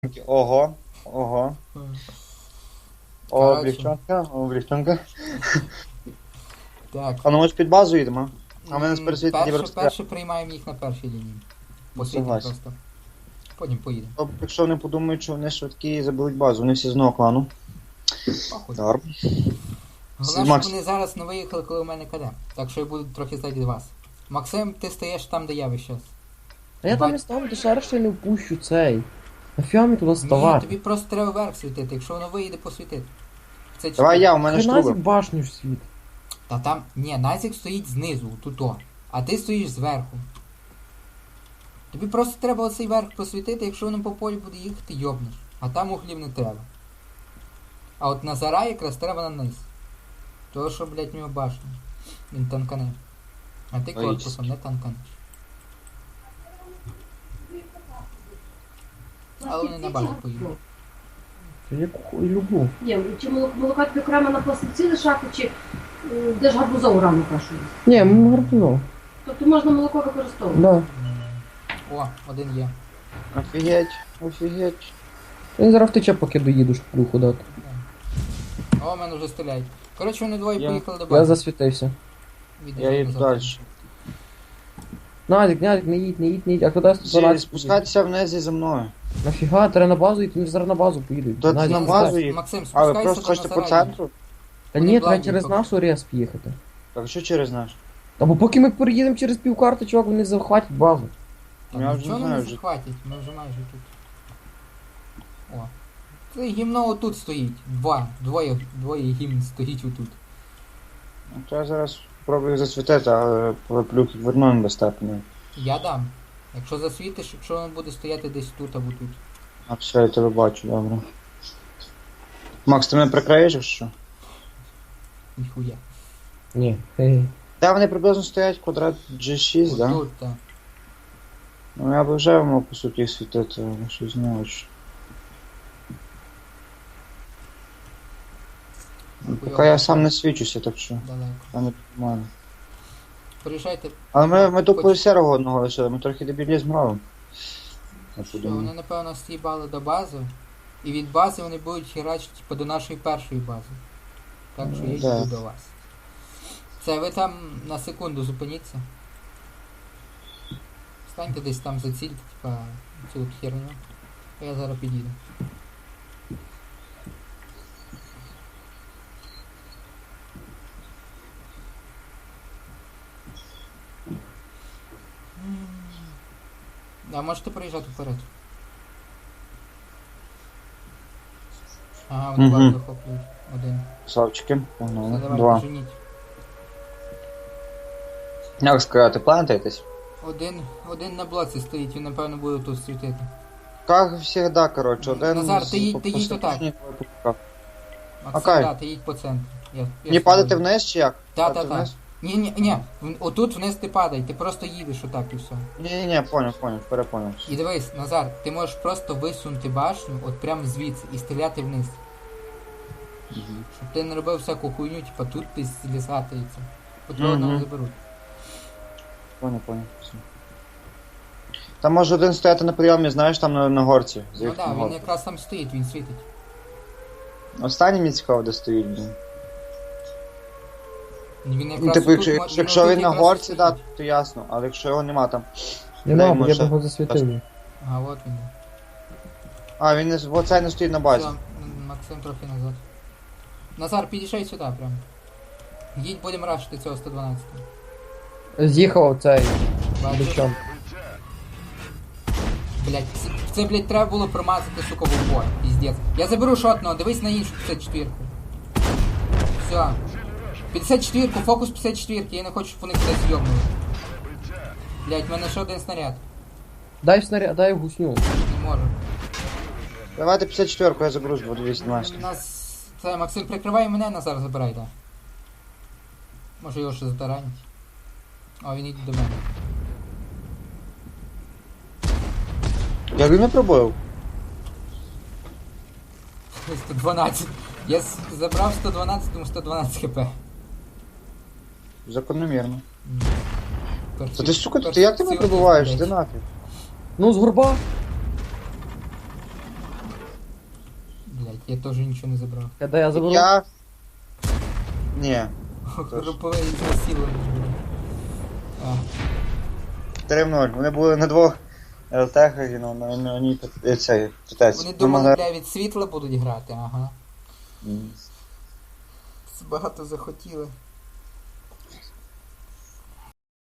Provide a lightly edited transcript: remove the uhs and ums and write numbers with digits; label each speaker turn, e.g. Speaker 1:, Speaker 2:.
Speaker 1: Ого, ого. О, облегчонка, облегчонка.
Speaker 2: Так.
Speaker 1: А ну ми ж під базу їдемо. А ми нас пересвітить
Speaker 2: Перше приймаємо їх на першій лінії. Посвітимо
Speaker 1: Согласен.
Speaker 2: просто. Потім поїдемо.
Speaker 1: Якщо вони подумають, що вони швидкі і заберуть базу, вони всі з одного клану.
Speaker 2: Похуй.
Speaker 1: Дарм.
Speaker 2: Головне,
Speaker 1: Макс.
Speaker 2: щоб вони зараз не виїхали, коли у мене КД. Так що я буду трохи ззаді вас. Максим, ти стоїш там, де я весь час.
Speaker 3: А я там не ставлю, ти шариш, що я не впущу цей. Нафіга мені туди
Speaker 2: Ні,
Speaker 3: ставати?
Speaker 2: тобі просто треба вверх світити, якщо воно виїде, посвітити. Це
Speaker 1: Давай я, у мене
Speaker 3: Хрена
Speaker 1: штруби.
Speaker 3: башню ж світ.
Speaker 2: Та там, ні, Назік стоїть знизу, туто. А ти стоїш зверху. Тобі просто треба оцей верх просвітити, якщо воно по полю буде їхати, йобнеш. А там углів не треба. А от Назара якраз треба на низ. Того, що, блядь, в нього башня. Він танкане. А ти корпусом не танканеш. Але вони на базу поїдуть.
Speaker 3: Я кухую люблю.
Speaker 4: Є, чи молока тобі окремо на пластиці лишати, чи де ж гарбузову рану кашу?
Speaker 3: Ні, ми гарбуно.
Speaker 4: Тобто можна молоко використовувати.
Speaker 3: Да.
Speaker 2: О, один є.
Speaker 1: Офігеть, офігеть.
Speaker 3: Він зараз втече, поки доїду, щоб плюху дати.
Speaker 2: О, мене вже стріляють. Коротше, вони двоє
Speaker 1: Я-
Speaker 2: поїхали до
Speaker 3: Я
Speaker 2: бази.
Speaker 3: засвітився.
Speaker 1: Я їду далі.
Speaker 3: Назік, не їдь, не їдь, не їдь. А куди 112?
Speaker 1: Спускайтеся вниз і за мною.
Speaker 3: Нафіга, треба на базу йти, ми зараз на базу поїдуть.
Speaker 1: Та
Speaker 3: Назік,
Speaker 1: на
Speaker 3: не
Speaker 1: базу
Speaker 3: знаю.
Speaker 1: їх.
Speaker 2: Максим,
Speaker 1: А ви
Speaker 2: спускайся
Speaker 1: просто
Speaker 2: до
Speaker 1: хочете по
Speaker 2: Назара.
Speaker 1: центру?
Speaker 3: Та
Speaker 2: Вони
Speaker 3: ні, треба
Speaker 2: блайндні
Speaker 3: через
Speaker 2: поки.
Speaker 3: нашу рез поїхати.
Speaker 1: Так що через наш?
Speaker 3: Та бо поки ми переїдемо через півкарти, чувак, вони захватять базу.
Speaker 2: Та
Speaker 1: Я вже
Speaker 2: нічого
Speaker 1: не
Speaker 2: не
Speaker 1: знаю вже.
Speaker 2: захватять, ми вже майже тут. О. Це гімно отут стоїть. Двоє гімн стоїть отут.
Speaker 1: Ну, то я зараз спробую засвітити, але плюх верну без степені.
Speaker 2: Я дам. Якщо засвітиш, якщо воно буде стояти десь тут або тут.
Speaker 1: А все, я тебе бачу, добре. Макс, ти мене прикриєш, якщо що?
Speaker 2: Ніхуя.
Speaker 3: Ні. Хе-хе.
Speaker 1: Де вони приблизно стоять? Квадрат G6, да?
Speaker 2: Отут, так.
Speaker 1: Ну я б вже мав по суті їх світити, але щось не очень. Ну, поки я сам не свічуся, так що
Speaker 2: Далеко.
Speaker 1: я не нормально.
Speaker 2: Приїжджайте.
Speaker 1: Але ми тупо
Speaker 2: Хоч-
Speaker 1: серого одного лишили, ми трохи дебілізм робимо. Я
Speaker 2: Що,
Speaker 1: подумав.
Speaker 2: вони напевно стібали до бази. І від бази вони будуть херачити типу, до нашої першої бази. Так що я
Speaker 1: Да.
Speaker 2: йду до вас. Це ви там на секунду зупиніться. Станьте десь там зацільте, типа цю от херню. А я зараз підійду. А можете проїжджати вперед. Ага, вони
Speaker 1: Мгм.
Speaker 2: базу захоплюють. Один.
Speaker 1: Красавчики,
Speaker 2: Все,
Speaker 1: погнали.
Speaker 2: давай,
Speaker 1: Два.
Speaker 2: женіть.
Speaker 1: Як сказати, плантайтесь?
Speaker 2: Один на блоці стоїть, він напевно буде тут світити.
Speaker 1: Как всегда, короче, один
Speaker 2: Назар, ти їдь
Speaker 1: посередині,
Speaker 2: отак.
Speaker 1: другий по боках.
Speaker 2: Максим,
Speaker 1: Окей.
Speaker 2: да, ти їдь по центру. Я
Speaker 1: Не падати вниз чи як?
Speaker 2: Так,
Speaker 1: Падати
Speaker 2: так, так.
Speaker 1: вниз?
Speaker 2: Ні, отут вниз ти падай, ти просто їдеш отак і все.
Speaker 1: Ні, понял, перепонял.
Speaker 2: І дивись, Назар, ти можеш просто висунути башню от прямо звідси і стріляти вниз. Щоб ти не робив всяку хуйню, типа тут ти злізати і це. По твого одного
Speaker 1: Мгм.
Speaker 2: заберуть.
Speaker 1: Понял. Все. Там може один стояти на прийомі, знаєш, там на горці.
Speaker 2: Ну
Speaker 1: Заїхати
Speaker 2: так,
Speaker 1: на
Speaker 2: він
Speaker 1: горку.
Speaker 2: якраз там стоїть, він світить.
Speaker 1: Останній мені цікаво, де стоїть, блін.
Speaker 2: Він якраз
Speaker 1: Ну, типу,
Speaker 2: отут
Speaker 1: якщо
Speaker 2: отут
Speaker 1: він на
Speaker 2: якраз
Speaker 1: горці,
Speaker 2: і
Speaker 1: да,
Speaker 2: світить.
Speaker 1: то ясно, але якщо його нема там.
Speaker 3: Нема,
Speaker 1: Дай,
Speaker 3: бо я
Speaker 1: може,
Speaker 3: його засвітив.
Speaker 2: А, от він.
Speaker 1: А, він оцей не стоїть на базі.
Speaker 2: Все, Максим трохи назад. Назар, підійшай сюди прям. Їдь, будемо рашити цього 112.
Speaker 3: З'їхав цей
Speaker 2: Бачиш?
Speaker 3: бичом.
Speaker 2: Блять, це, блять, треба було промазати, сука, в упор. Піздець. Я заберу шотного, дивись на іншу 54-ку. Все. 54-ку, фокус 54-ки, я не хочу, щоб вони кудись зйомнули. Блять, в мене ще один снаряд.
Speaker 3: Дай снаряд, дай гусню.
Speaker 2: Не можу.
Speaker 1: Давайте 54-ку, я заберу, буду 212.
Speaker 2: У нас... Це, Максим, прикривай мене, Назар забирай, так. Може його ще затаранить. О, він йде до мене.
Speaker 1: Як він не пробив?
Speaker 2: 112. Я забрав 112, тому 112 хп.
Speaker 1: Закономірно.
Speaker 2: Перший-
Speaker 1: Та ти, сука, ти
Speaker 2: перший
Speaker 1: як ти мене
Speaker 2: цілий,
Speaker 1: пробиваєш?
Speaker 2: блядь.
Speaker 1: Ти нафіг.
Speaker 3: Ну, з горба.
Speaker 2: Я теж нічого не забрав.
Speaker 3: Де я заберу?
Speaker 1: Я... Ні.
Speaker 2: Групове ізнасилування. А,
Speaker 1: 3-0. Вони були на двох ЛТХ, і на одній цей, тетець.
Speaker 2: вони
Speaker 1: Ми
Speaker 2: думали,
Speaker 1: могли-
Speaker 2: бля, від світла будуть грати, ага.
Speaker 1: М.
Speaker 2: Багато захотіли.